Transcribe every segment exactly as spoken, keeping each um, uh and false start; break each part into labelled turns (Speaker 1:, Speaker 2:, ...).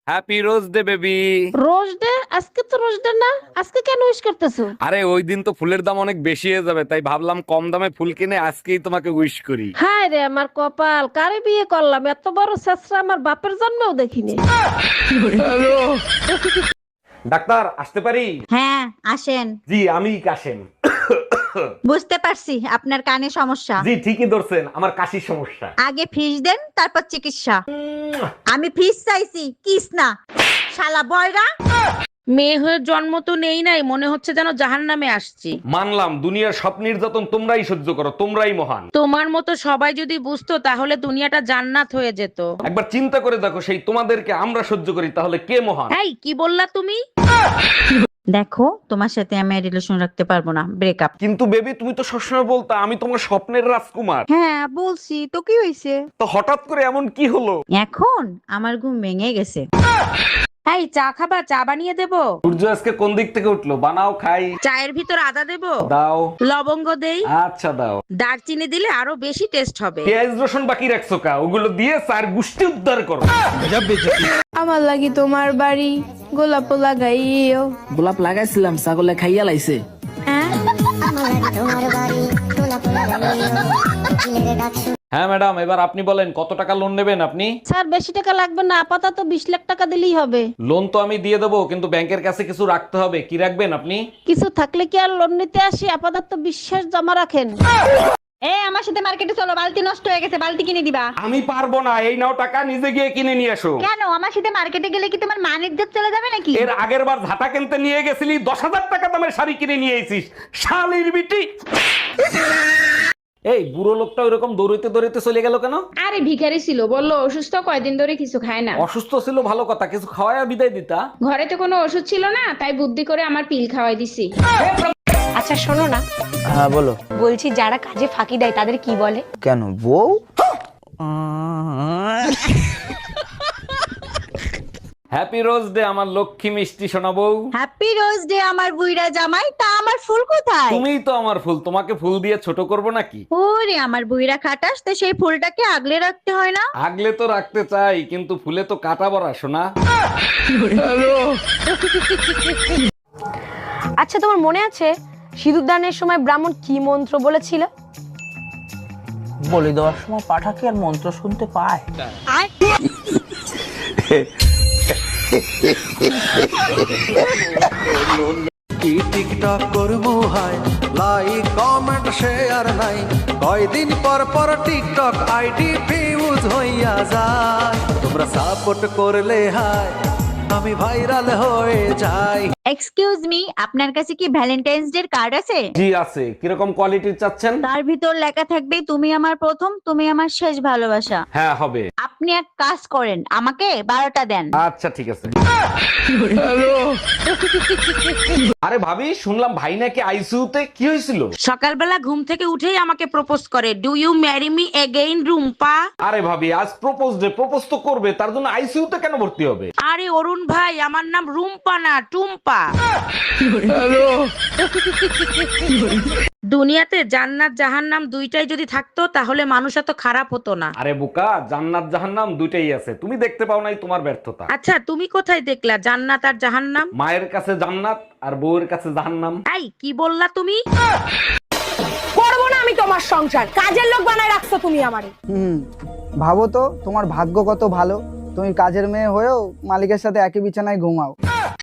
Speaker 1: Happy rose day baby.
Speaker 2: Rose day? আজকে তো rose day না, আজকে কেন উইশ করতেছো?
Speaker 1: আরে ওই দিন তো ফুলের দাম অনেক বেশি হয়ে যাবে, তাই ভাবলাম কম দামে ফুল কিনে আজকেই তোমাকে উইশ করি।
Speaker 2: হায় রে আমার কপাল, কারে বিয়ে করলাম, এত বড় ছেঁচড়া আমার বাপের জন্মেও দেখিনি।
Speaker 1: ডাক্তার আসতে পারি?
Speaker 3: হ্যাঁ আসেন।
Speaker 1: জি আমি কাশেম।
Speaker 3: বুঝতে পারছি আপনার কানে সমস্যা।
Speaker 1: জি ঠিকই ধরছেন, আমার কাশির সমস্যা।
Speaker 3: আগে ফিস দেন তারপর চিকিৎসা। আমি ফিস চাইছি, কিস না। শালা বয়রা।
Speaker 4: মেয়ে হয়ে জন্ম তো নেই নাই, মনে হচ্ছে যেন জাহান্নামে আসছি।
Speaker 1: মানলাম দুনিয়ার সব নির্যাতন তোমরাই সহ্য করো, তোমরাই মহান।
Speaker 4: তোমার মতো সবাই যদি বুঝতো তাহলে দুনিয়াটা জান্নাত হয়ে যেত।
Speaker 1: একবার চিন্তা করে দেখো, সেই তোমাদেরকে আমরা সহ্য করি, তাহলে কে মহান?
Speaker 4: এই কি বললা তুমি?
Speaker 3: দেখো তোমার সাথে আমি রিলেশন রাখতে পারবো না, ব্রেকআপ।
Speaker 1: কিন্তু বেবি তুমি তো সবসময় বলতা আমি তোমার স্বপ্নের রাজকুমার।
Speaker 3: হ্যাঁ বলছি তো, কি হয়েছে?
Speaker 1: তো হঠাৎ করে এমন কি হলো?
Speaker 3: এখন আমার ঘুম ভেঙে গেছে।
Speaker 4: এই চা খাবা? চা বানিয়ে দেবো?
Speaker 1: সূর্য আজকে কোন দিক থেকে উঠলো? বানাও খাই।
Speaker 4: চায়ের ভিতর আদা দেবো?
Speaker 1: দাও।
Speaker 4: লবঙ্গ দেই?
Speaker 1: আচ্ছা দাও।
Speaker 4: দারচিনি দিলে আরো বেশি টেস্ট হবে।
Speaker 1: পেঁয়াজ রসুন বাকি রাখছো কা? ওগুলো দিয়ে চার গুষ্টি উদ্ধার করো।
Speaker 5: আমার লাগি তোমার বাড়ি গোলাপ লাগাইও।
Speaker 6: গোলাপ লাগাইছিলাম, ছাগলে খাইয়া লাইছে।
Speaker 1: হ্যাঁ ম্যাডাম, এবার আপনি বলেন কত টাকা লোন নেবেন আপনি?
Speaker 2: স্যার বেশি টাকা লাগবে না, আপাতত বিশ লাখ টাকা দিলেই হবে।
Speaker 1: লোন তো আমি দিয়ে দেবো, কিন্তু ব্যাংকের কাছে কিছু রাখতে হবে। কি রাখবেন আপনি?
Speaker 2: কিছু থাকলে কি আর লোন নিতে আসি, আপাতত বিশ্বাস জমা রাখেন।
Speaker 3: এ আমার সাথে মার্কেটে চলো, বালতি নষ্ট হয়ে গেছে, বালতি কিনে দিবা।
Speaker 1: আমি পারবো না, এই নাও টাকা, নিজে গিয়ে কিনে নিয়ে এসো।
Speaker 3: কেন? আমার সাথে মার্কেটে গেলে কি তোমার মান ইজ্জত চলে যাবে নাকি?
Speaker 1: এর আগের বার ঝাঁটা কিনতে নিয়ে গেছিলি, দশ হাজার টাকা দামের শাড়ি কিনে নিয়ে এসিস, শালির বিটি। এই বুড়ো লোকটা ওইরকম দৌড়িতে দৌড়িতে চলে গেল কেন?
Speaker 5: আরে ভিখারি ছিল, বললো অসুস্থ, কয়দিন ধরে কিছু খায় না।
Speaker 1: অসুস্থ ছিল ভালো কথা, কিছু খাওয়ায় বিদায় দিতা।
Speaker 5: ঘরে তো কোনো ওষুধ ছিল না, তাই বুদ্ধি করে আমার পিল খাওয়াই দিছি।
Speaker 7: আচ্ছা শোনো না,
Speaker 6: হ্যাঁ বলো।
Speaker 7: বলছি যারা কাজে ফাঁকি দেয় তাদের কি বলে?
Speaker 6: কেন বউ?
Speaker 1: হ্যাপি রোজ ডে আমার লক্ষ্মী মিষ্টি সোনা বউ।
Speaker 3: হ্যাপি রোজ ডে আমার বুইড়া জামাই। তা আমার ফুল কোথায়?
Speaker 1: তুমিই তো আমার ফুল, তোমাকে ফুল দিয়ে ছোট করব নাকি?
Speaker 3: ওরে আমার বুইড়া খাটাস, তো সেই ফুলটাকে আগলে রাখতে হয় না?
Speaker 1: আগলে তো রাখতে চাই, কিন্তু ফুলে তো কাটা বড়া সোনা।
Speaker 7: আচ্ছা তোমার মনে আছে সিঁদুর দানের সময় ব্রাহ্মণ কি মন্ত্র বলেছিল?
Speaker 6: বলি দেওয়ার সময় পাঠাকে আর মন্ত্র শুনতে পায়।
Speaker 8: কি টিকটক করবো হাই, লাইক কমেন্ট শেয়ার নাই, কয়দিন পর পর টিকটক আইডি ফিউজ হইয়া যায়। তোমরা সাপোর্ট করলে হাই আমি ভাইরাল হয়ে যাই।
Speaker 3: এক্সকিউজ মি, আপনার কাছে কি ভ্যালেন্টাইন্স ডে কার্ড আছে?
Speaker 1: জি আছে। কিরকম কোয়ালিটির চাচ্ছেন?
Speaker 3: তার ভিতর লেখা থাকবে তুমি আমার প্রথম, তুমি আমার শেষ ভালোবাসা।
Speaker 1: হ্যাঁ হবে।
Speaker 3: আপনি এক কাজ করেন, আমাকে বারোটা দেন।
Speaker 1: আচ্ছা ঠিক আছে। আরে ভাবি, শুনলাম ভাই নাকি আইসিইউতে, কি হয়েছিল?
Speaker 4: সকালবেলা ঘুম থেকে উঠেই আমাকে প্রপোজ করে, do you marry me again Rumpa?
Speaker 1: আরে ভাবি, আজ প্রপোজ ডে, প্রপোজ তো করবে, তার জন্য আইসিইউতে কেন ভর্তি হবে?
Speaker 4: আরে অরুণ ভাই, আমার নাম রুম্পা না টুম্পা। দুনিয়াতে জান্নাত জাহান্নাম দুইটাই যদি থাকতো তাহলে মানুষ এত খারাপ হতো না।
Speaker 1: আরে বোকা, জান্নাত জাহান্নাম দুইটাই আছে, তুমি দেখতে পাও নাই, তোমার ব্যর্থতা।
Speaker 4: আচ্ছা তুমি কোথায় দেখলা জান্নাত আর জাহান্নাম?
Speaker 1: মায়ের কাছে জান্নাত আর বউয়ের কাছে জাহান্নাম।
Speaker 4: এই কি বললা তুমি?
Speaker 7: করবো না আমি তোমার সংসার, কাজের লোক বানায় রাখছো তুমি আমারে।
Speaker 9: হুম, ভাবো তো তোমার ভাগ্য কত ভালো, তুমি কাজের মেয়ে হয়েও মালিকের সাথে একই বিছানায় ঘুমাও।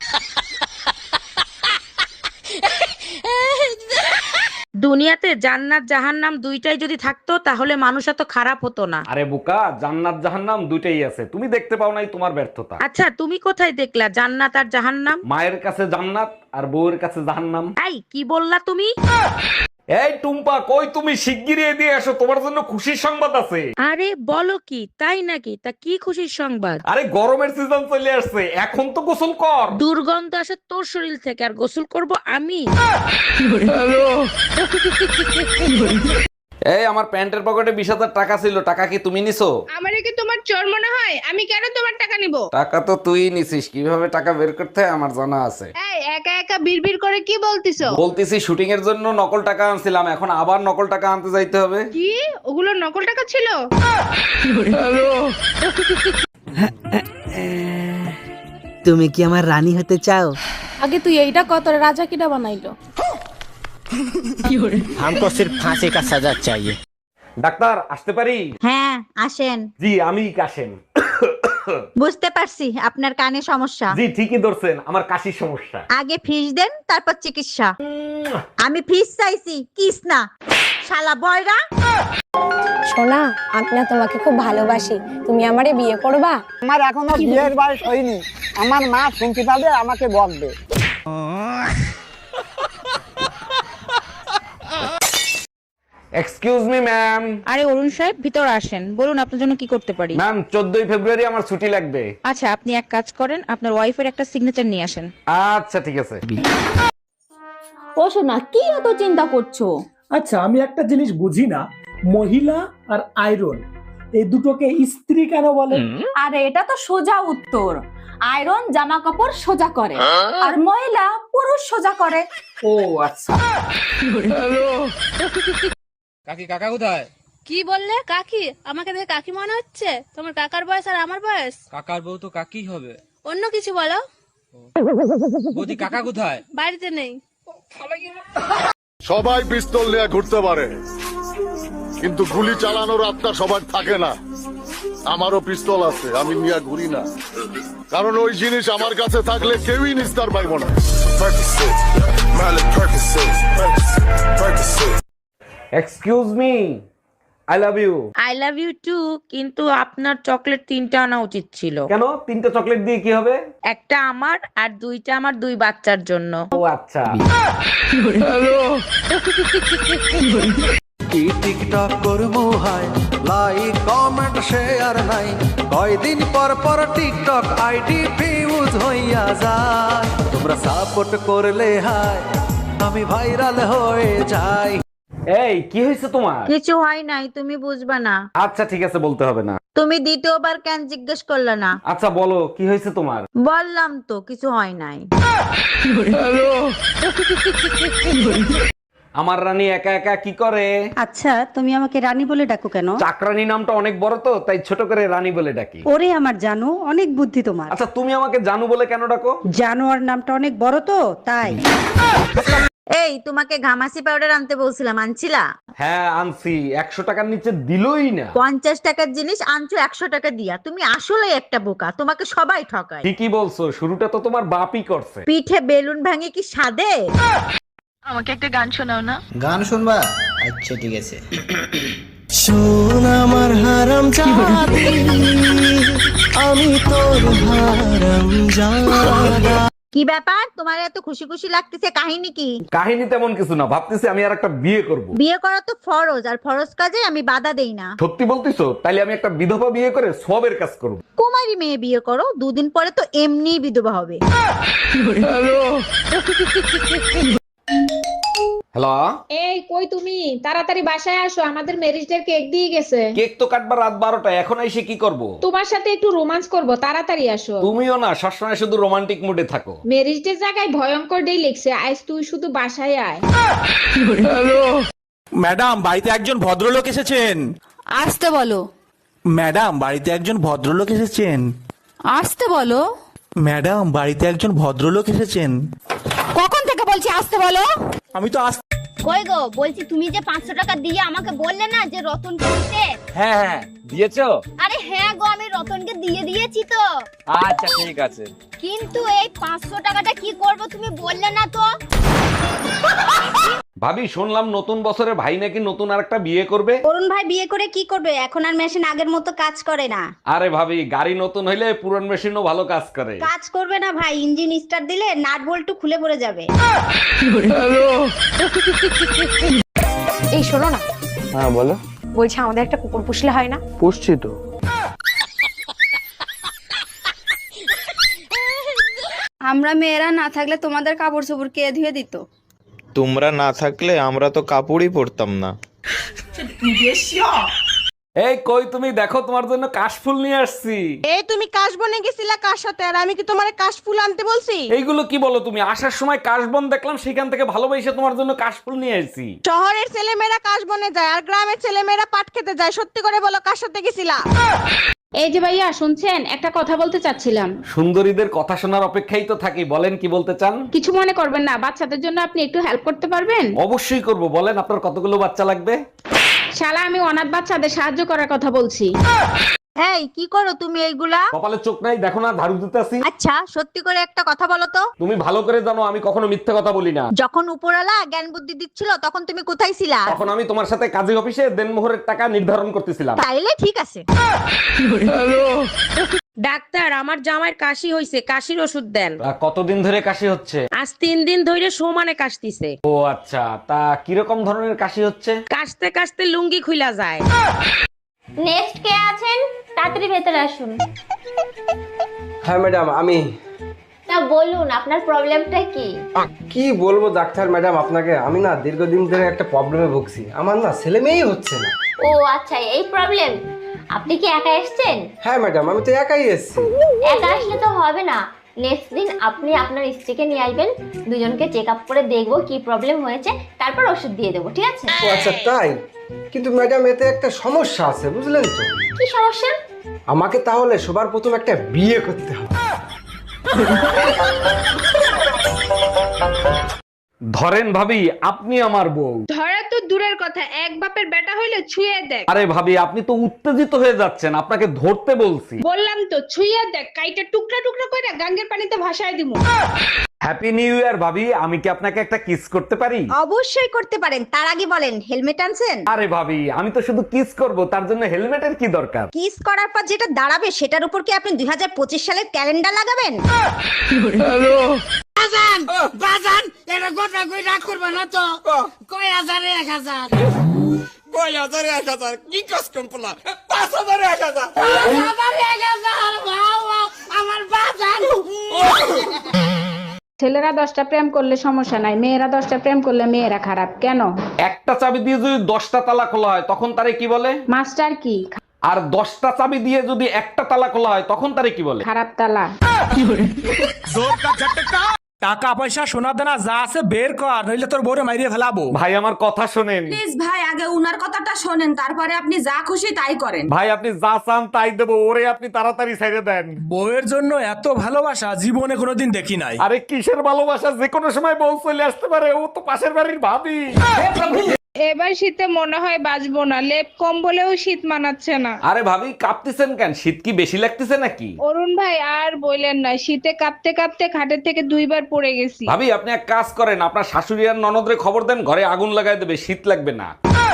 Speaker 4: দুনিয়াতে জান্নাত জাহান্নাম দুইটাই যদি থাকতো তাহলে মানুষ এত খারাপ হতো না।
Speaker 1: আরে বোকা, জান্নাত জাহান্নাম দুইটাই আছে, তুমি দেখতে পাও নাই, তোমার ব্যর্থতা।
Speaker 4: আচ্ছা তুমি কোথায় দেখলা জান্নাত আর জাহান্নাম?
Speaker 1: মায়ের কাছে জান্নাত আর বউয়ের কাছে জাহান্নাম।
Speaker 4: এই কি বললা তুমি?
Speaker 1: এই টুম্পা, কই তুমি? শিগগিরই এদিকে এসো, তোমার জন্য খুশির সংবাদ আছে।
Speaker 4: আরে বলো কি, তাই নাকি? তা কি খুশির সংবাদ?
Speaker 1: আরে গরমের সিজন চলে আসছে, এখন তো গোসল কর।
Speaker 4: দুর্গন্ধ আসে তোর শরীর থেকে, আর গোসল করব আমি?
Speaker 1: এই আমার প্যান্টের পকেটে বিশ হাজার টাকা ছিল, টাকা কি তুমি নিছো?
Speaker 5: আমারে কি তোমার চোর মনে হয়? আমি কেন তোমার টাকা নিব?
Speaker 1: টাকা তো তুই নিছিস, কিভাবে টাকা বের করতে হয় আমার জানা আছে।
Speaker 5: এই একা একা বিড়বিড় করে কি বলতিছো?
Speaker 1: বলতেছি শুটিং এর জন্য নকল টাকা আনছিলাম, এখন আবার নকল টাকা আনতে যাইতে হবে।
Speaker 5: কি ওগুলো নকল টাকা ছিল?
Speaker 6: তুমি কি আমার রানী হতে চাও?
Speaker 7: আগে তুই এইটা কত রাজা কিটা বানাইলো?
Speaker 6: हमको सिर्फ फांसी का सजा चाहिए।
Speaker 1: ডাক্তার আসতে পারি?
Speaker 3: হ্যাঁ আসেন।
Speaker 1: জি আমি কাশেম।
Speaker 3: বুঝতে পারছি আপনার কানে সমস্যা।
Speaker 1: জি ঠিকই ধরছেন, আমার কাশির সমস্যা।
Speaker 3: আগে ফিস দেন তারপর চিকিৎসা। আমি ফিস চাইছি কিস না শালা বয়রা।
Speaker 7: সোনা, আমি না তোমাকে খুব ভালোবাসি, তুমি আমারে বিয়ে করবা?
Speaker 9: আমার এখনো বিয়ের বয়স হয়নি, আমার মা শুনতে পাবে আমাকে বকবে।
Speaker 1: Excuse me ma'am.
Speaker 4: আরে অরুণ সাহেব, ভিতর আসেন, বলুন আপনার জন্য কি করতে পারি?
Speaker 1: ম্যাম চোদ্দই ফেব্রুয়ারি আমার ছুটি লাগবে।
Speaker 4: আচ্ছা, আপনি এক কাজ করেন, আপনার ওয়াইফের একটা সিগনেচার নিয়ে আসেন।
Speaker 1: আচ্ছা ঠিক আছে।
Speaker 7: ও সোনা, কি এত চিন্তা করছো?
Speaker 10: আচ্ছা, আমি একটা জিনিস বুঝি না, মহিলা আর আয়রন এই দুটোকে স্ত্রী কেন বলে?
Speaker 7: আরে এটা তো সোজা উত্তর। আয়রন জামা কাপড় সোজা করে, আর মহিলা পুরুষ সোজা করে।
Speaker 10: ও আচ্ছা।
Speaker 6: কাকি কাকা কোথায়?
Speaker 11: কি বললে? কাকি? আমাকে দেখে কাকি মনে হচ্ছে? তোমার কাকার বয়স আর আমার বয়স?
Speaker 6: কাকার বউ তো কাকি হবে।
Speaker 11: অন্য কিছু বলো।
Speaker 6: বৌদি কাকা কোথায়?
Speaker 11: বাড়িতে নেই।
Speaker 12: সবাই পিস্তল নিয়ে ঘুরতে পারে, কিন্তু গুলি চালানোর আত্মা সবার থাকে না। আমারও পিস্তল আছে, আমি নিয়ে ঘুরি না, কারণ ওই জিনিস আমার কাছে থাকলে কেউই নিস্তার পাইব না।
Speaker 1: Excuse me, I love you.
Speaker 4: I love you too, কিন্তু আপনার চকলেট তিনটা আনা উচিত ছিল।
Speaker 1: কেন? তিনটা চকলেট দিয়ে কি হবে?
Speaker 4: একটা আমার আর দুইটা আমার দুই বাচ্চার জন্য।
Speaker 1: ও আচ্ছা।
Speaker 8: কি টিকটক করবো হাই, লাইক কমেন্ট শেয়ার নাই, কয়দিন পর পর টিকটক আইডি ফিউজ হইয়া যায়। তোমরা সাপোর্ট করলে হাই আমি ভাইরাল হয়ে যাই।
Speaker 1: এই কি হয়েছে তোমার?
Speaker 3: কিছু হয় নাই, তুমি বুঝবা না।
Speaker 1: আচ্ছা ঠিক আছে, বলতে হবে না।
Speaker 3: তুমি দ্বিতীয়বার কেন জিজ্ঞেস করলে না?
Speaker 1: আচ্ছা বলো কি হয়েছে তোমার?
Speaker 3: বললাম তো কিছু হয় নাই।
Speaker 1: আমার রানী একা একা কি করে?
Speaker 2: আচ্ছা তুমি আমাকে রানী বলে ডাকো কেন?
Speaker 1: চাকরানী নামটা অনেক বড় তো, তাই ছোট করে রানী বলে ডাকি।
Speaker 2: ওরে আমার জানো, অনেক বুদ্ধি তোমার।
Speaker 1: আচ্ছা তুমি আমাকে জানু বলে কেন ডাকো?
Speaker 2: জানোয়ার নামটা অনেক বড় তো তাই।
Speaker 3: এই তোমাকে ঘামাসি পাউডার আনতে বলছিলাম, আনছিলা?
Speaker 1: হ্যাঁ আনছি, একশো টাকার নিচে দিলই না।
Speaker 3: পঞ্চাশ টাকার জিনিস আনছো একশো টাকা দিয়া। তুমি আসলে একটা বোকা, তোমাকে সবাই ঠকায়।
Speaker 1: ঠিকই বলছো, শুরুটা তো তোমার বাপই করছে।
Speaker 3: পিঠে বেলুন ভাঙে কি সাদে?
Speaker 11: আমাকে একটা গান শোনাও না।
Speaker 6: গান শুনবা? আচ্ছা ঠিক আছে।
Speaker 8: শোন আমার হারাম জাদি, আমি তোর হারাম জাদা।
Speaker 3: কি ব্যাপার, তোমার এত খুশি খুশি লাগতেছে, কাহিনী কি?
Speaker 1: কাহিনী তেমন কিছু না, ভাবতেছি আমি আর একটা বিয়ে করব।
Speaker 3: বিয়ে করা তো ফরজ, আর ফরজ কাজে আমি বাধা দেই না।
Speaker 1: সত্যি বলতিছো? তাইলে আমি একটা বিধবা বিয়ে করে সবের কাজ করব।
Speaker 3: কুমারী মেয়ে বিয়ে করো, দুদিন পরে তো এমনি বিধবা হবে।
Speaker 1: হ্যালো,
Speaker 5: এই কই তুমি? তাড়াতাড়ি বাসায় আসো, আমাদের ম্যারেজ ডে কেক দিয়ে গেছে।
Speaker 1: কেক তো কাটবার রাত বারোটা, এখন এসে কি করব?
Speaker 5: তোমার সাথে একটু রোমান্স করব, তাড়াতাড়ি আসো।
Speaker 1: তুমিও না সবসময় শুধু রোমান্টিক মুডে থাকো।
Speaker 5: ম্যারেজ ডে জায়গায় ভয়ঙ্কর ডে লিখছে, আজ তুই শুধু বাসায় আয়।
Speaker 10: ম্যাডাম, বাড়িতে একজন ভদ্রলোক এসেছেন।
Speaker 11: আসতে বলো।
Speaker 10: ম্যাডাম, বাড়িতে একজন ভদ্রলোক এসেছেন।
Speaker 11: আসতে বলো।
Speaker 10: ম্যাডাম, বাড়িতে একজন ভদ্রলোক এসেছেন।
Speaker 11: কখন থেকে বলছি আসতে বলো?
Speaker 10: আমি তো আস
Speaker 11: কই গো, বলছি তুমি যে পাঁচশো টাকা দিয়ে আমাকে বললে না যে রতনকে দিতে।
Speaker 1: হ্যাঁ হ্যাঁ দিয়েছো?
Speaker 11: আরে হ্যাঁ গো, আমি রতনকে দিয়ে দিয়েছি তো।
Speaker 1: আচ্ছা ঠিক আছে,
Speaker 11: কিন্তু এই পাঁচশো টাকাটা কি করব তুমি বললে না তো।
Speaker 1: ভাবি শুনলাম নতুন বছরে ভাই নাকি নতুন আরেকটা বিয়ে করবে।
Speaker 11: অরুণ ভাই বিয়ে করে কি করবে? এখন আর মেশিন আগের মতো কাজ করে না।
Speaker 1: আরে ভাবি, গাড়ি নতুন হইলে পুরান মেশিনও ভালো কাজ করে।
Speaker 11: কাজ করবে না ভাই, ইঞ্জিন স্টার্ট দিলে নাট বল্টু খুলে পড়ে যাবে।
Speaker 7: এই শোনো না,
Speaker 9: হ্যাঁ বলো।
Speaker 7: বলছি আমাদের একটা কুকুর পুষলে হয় না?
Speaker 9: পুষছি তো।
Speaker 11: আমরা মেয়েরা না থাকলে তোমাদের কাপড় চোপড় কে ধুয়ে দিত?
Speaker 13: তোমরা না থাকলে আমরা তো কাপড়ই পরতাম না।
Speaker 1: এই কই তুমি, দেখো তোমার জন্য কাশফুল নিয়ে আসছি।
Speaker 7: এই তুমি কাশ বনে গেছিলা কার সাথে, আর আমি কি তোমারে কাশ ফুল আনতে বলছি?
Speaker 1: এইগুলো কি বলো তুমি? আসার সময় কাশবন দেখলাম, সেখান থেকে ভালোবাসে তোমার জন্য কাশফুল নিয়ে আসছি।
Speaker 7: শহরের ছেলেমেয়েরা কাশ বনে যায়, আর গ্রামের ছেলেমেয়েরা পাট খেতে যায়। সত্যি করে বলো, কার সাথে গেছিলা?
Speaker 5: এই যে ভাইয়া শুনছেন, একটা কথা বলতে চাচ্ছিলাম।
Speaker 1: সুন্দরীদের কথা শোনার অপেক্ষাই তো থাকি, বলেন কি বলতে চান।
Speaker 5: কিছু মনে করবেন না, বাচ্চাদের জন্য আপনি একটু হেল্প করতে পারবেন?
Speaker 1: অবশ্যই করব, বলেন আপনার কতগুলো বাচ্চা লাগবে।
Speaker 5: শালা, আমি অনাথ বাচ্চাদের সাহায্য করার কথা বলছি।
Speaker 3: এই কি করো তুমি এইগুলা?
Speaker 1: কপালে চোখ নাই দেখো না, ঝাড়ু দিতেছি।
Speaker 3: আচ্ছা সত্যি করে একটা কথা বলো তো,
Speaker 1: তুমি ভালো করে জানো আমি কখনো মিথ্যে কথা বলি না।
Speaker 3: যখন উপরওয়ালা জ্ঞান বুদ্ধি দিচ্ছিল তখন তুমি কোথায় ছিলা?
Speaker 1: তখন আমি তোমার সাথে কাজী অফিসে দেনমোহরের টাকা নির্ধারণ করতেছিলাম।
Speaker 3: তাইলে ঠিক আছে।
Speaker 4: ডাক্তার, আমার জামাইয়ের কাশি হইছে, কাশির ওষুধ দেন।
Speaker 1: তা কতদিন ধরে কাশি হচ্ছে?
Speaker 4: আজ তিন দিন ধরে সমানে কাশতিছে।
Speaker 1: ও আচ্ছা, তা কিরকম ধরনের কাশি হচ্ছে?
Speaker 4: কাশতে কাশতে লুঙ্গি খুইলা যায়।
Speaker 11: নেক্সট কে আছেন? তাড়াতাড়ি ভেতরে আসুন।
Speaker 14: হ্যাঁ ম্যাডাম, আমি।
Speaker 11: তা বলুন আপনার প্রবলেমটা কি?
Speaker 14: কি বলবো ডাক্তার ম্যাডাম আপনাকে, আমি না দীর্ঘদিন ধরে একটা প্রবলেমে ভুগছি। আমার না ছেলে মেয়েই হচ্ছে না।
Speaker 11: ও আচ্ছা, এই প্রবলেম। আপনি কি একা এসেছেন?
Speaker 14: হ্যাঁ ম্যাডাম, আমি তো একাই এসেছি।
Speaker 11: একা আসলে তো হবে না, নেক্সট দিন আপনি আপনার স্ত্রীকে নিয়ে আসবেন, দুজনকে চেক আপ করে দেখবো কি প্রবলেম হয়েছে, তারপর ওষুধ দিয়ে দেবো, ঠিক আছে?
Speaker 14: ও আচ্ছা তাই? কিন্তু ম্যাডাম এতে একটা সমস্যা আছে, বুঝলেন তো?
Speaker 11: কি সমস্যা?
Speaker 14: আমাকে তাহলে সবার প্রথম একটা বিয়ে করতে হবে।
Speaker 1: ধরেন ভাবি, আপনি আমার বউ।
Speaker 5: ধরা তো দূরের কথা, এক বাপের বেটা হইলে ছুঁয়ে দেখ।
Speaker 1: আরে ভাবি, আপনি তো উত্তেজিত হয়ে যাচ্ছেন, আপনাকে ধরতে বলছি।
Speaker 5: বললাম তো ছুঁয়ে দেখ, কাইটা টুকরা টুকরা করে গাঙ্গের পানিতে ভাসায় দিমু।
Speaker 1: হ্যাপি নিউ ইয়ার ভাবি, আমি কি আপনাকে একটা কিস করতে পারি?
Speaker 3: অবশ্যই করতে পারেন, তার আগে বলেন হেলমেট আনছেন?
Speaker 1: আরে ভাবি, আমি তো শুধু কিস করব, তার জন্য হেলমেটের কি দরকার?
Speaker 3: কিস করার পর যেটা দাঁড়াবে সেটার উপর কি আপনি দুই হাজার পঁচিশ সালের ক্যালেন্ডার লাগাবেন?
Speaker 15: বাজান বাজান, এটা গোটা কই রাগ করবে না তো? কয় হাজারে এক হাজার, কয় হাজারে এক হাজার, কি কাস্টম পোলা, পাঁচ হাজারে এক হাজার, পাঁচ হাজারে এক হাজার, বাবা আমার বাজান।
Speaker 5: ছেলেরা দশটা প্রেম করলে সমস্যা নাই, মেয়েরা দশটা প্রেম করলে মেয়েরা খারাপ কেন?
Speaker 1: একটা চাবি দিয়ে যদি দশটা তালা খোলা হয় তখন তারে কি বলে?
Speaker 5: মাস্টার কি?
Speaker 1: আর দশটা চাবি দিয়ে যদি একটা তালা খোলা হয় তখন তারে কি বলে?
Speaker 5: খারাপ তালা।
Speaker 10: টাকা পয়সা সোনা দানা যা আছে বের কর, নইলে তোর বউরে মাইরিয়ে ফেলাবো।
Speaker 1: ভাই আমার কথা শোনেন
Speaker 7: প্লিজ ভাই, আগে উনার কথাটা শোনেন, তারপরে আপনি যা খুশি তাই করেন।
Speaker 1: ভাই, আপনি যা চান তাই দেবো, ওরে আপনি তাড়াতাড়ি ছেড়ে দেন।
Speaker 10: বউয়ের জন্য এত ভালোবাসা জীবনে কোনোদিন দেখি নাই।
Speaker 1: আরে কিসের ভালোবাসা, যে কোনো সময় বউ চলে আসতে পারে, ও তো পাশের বাড়ির ভাবি।
Speaker 5: এবার শীতে মনে হয় বাঁচবো না, লেপ কম্বলেও শীত মানাচ্ছে না।
Speaker 1: আরে ভাবি, কাঁপতেছেন কেন? শীত কি বেশি লাগতেছে নাকি?
Speaker 5: অরুণ ভাই আর বললেন না, শীতে কাঁপতে কাঁপতে খাটের থেকে দুইবার পড়ে গেছি।
Speaker 1: ভাবি, আপনি এক কাজ করেন, আপনার শাশুড়ি আর ননদরে খবর দেন, ঘরে আগুন লাগাই দেবে, শীত লাগবে না।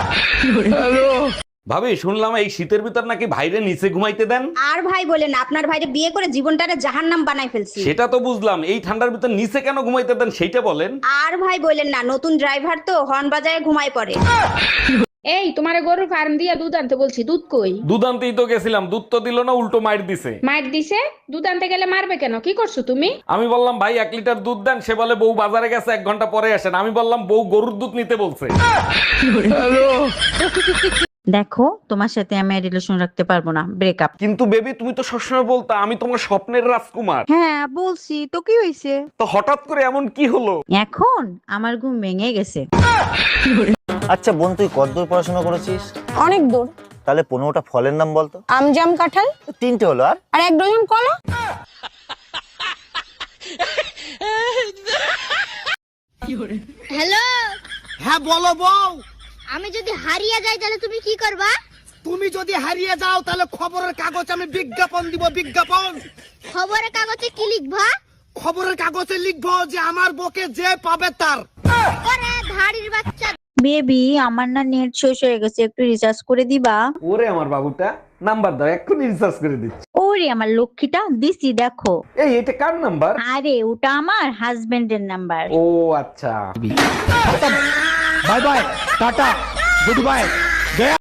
Speaker 1: ভাবি, শুনলাম এই শীতের ভিতর নাকি ভাইরে নিচে ঘুমাইতে দেন।
Speaker 3: আর ভাই বলেন, আপনার ভাইরে বিয়ে করে জীবনটারে জাহান্নাম বানাই ফেলছি।
Speaker 1: সেটা তো বুঝলাম, এই ঠান্ডার ভিতর নিচে কেন ঘুমাইতে দেন সেইটা বলেন।
Speaker 3: আর ভাই বলেন না, নতুন ড্রাইভার তো হর্ন বাজায় ঘুমায় পড়ে।
Speaker 5: এই তোমারে গরুর ফার্ম দিয়া দুধ আনতে বলছি, দুধ কই?
Speaker 1: দুধ আনতেই তো গেছিলাম, দুধ তো দিল না, উল্টো মাইর দিছে।
Speaker 5: মার দিছে? দুধ আনতে গেলে মারবে কেন? কি করছো তুমি?
Speaker 1: আমি বললাম ভাই এক লিটার দুধ দেন, সে বলে বউ বাজারে গেছে, এক ঘন্টা পরে আসেন। আমি বললাম বউ গরুর দুধ নিতে বলছে।
Speaker 3: দেখো, তোমার সাথে আমি রিলেশন রাখতে পারবো না, ব্রেকআপ।
Speaker 1: কিন্তু বেবি, তুমি তো সবসময় বলতা আমি তোমার স্বপ্নের রাজকুমার।
Speaker 3: হ্যাঁ বলছি তো, কি হয়েছে?
Speaker 1: তো হঠাৎ করে এমন কি হলো?
Speaker 3: এখন আমার ঘুম ভেঙে গেছে।
Speaker 16: আচ্ছা বোন, তুই কতদূর পড়াশোনা করেছিস?
Speaker 17: অনেক দূর।
Speaker 16: তাহলে পনেরোটা ফলের নাম বলতো।
Speaker 17: আম, জাম, কাঁঠাল।
Speaker 16: তিনটে হলো, আর
Speaker 17: আর এক ডজন কলা।
Speaker 15: হ্যালো। হ্যাঁ বলো বউ। আমি যদি হারিয়ে যাই তাহলে তুমি কি করবা? তুমি যদি হারিয়ে যাও তাহলে খবরের কাগজে আমি বিজ্ঞাপন দিব, বিজ্ঞাপন। খবরের কাগজে কি লিখবা? খবরের কাগজে লিখবো যে আমার বউকে যে পাবে তার। ওরে ধাড়ির বাচ্চা।
Speaker 3: বেবি, আমার না নেট শেষ হয়ে গেছে, একটু রিচার্জ করে দিবা?
Speaker 1: ওরে আমার বাবুটা, নাম্বার দাও, এক্ষুনি রিচার্জ করে দিচ্ছি।
Speaker 3: ওরে আমার লক্ষ্মীটা, দিছি দেখো।
Speaker 1: এই এটা কার নাম্বার?
Speaker 3: আরে ওটা আমার হাজবেন্ডের নাম্বার।
Speaker 1: ও আচ্ছা।
Speaker 10: Bye bye, tata, good bye.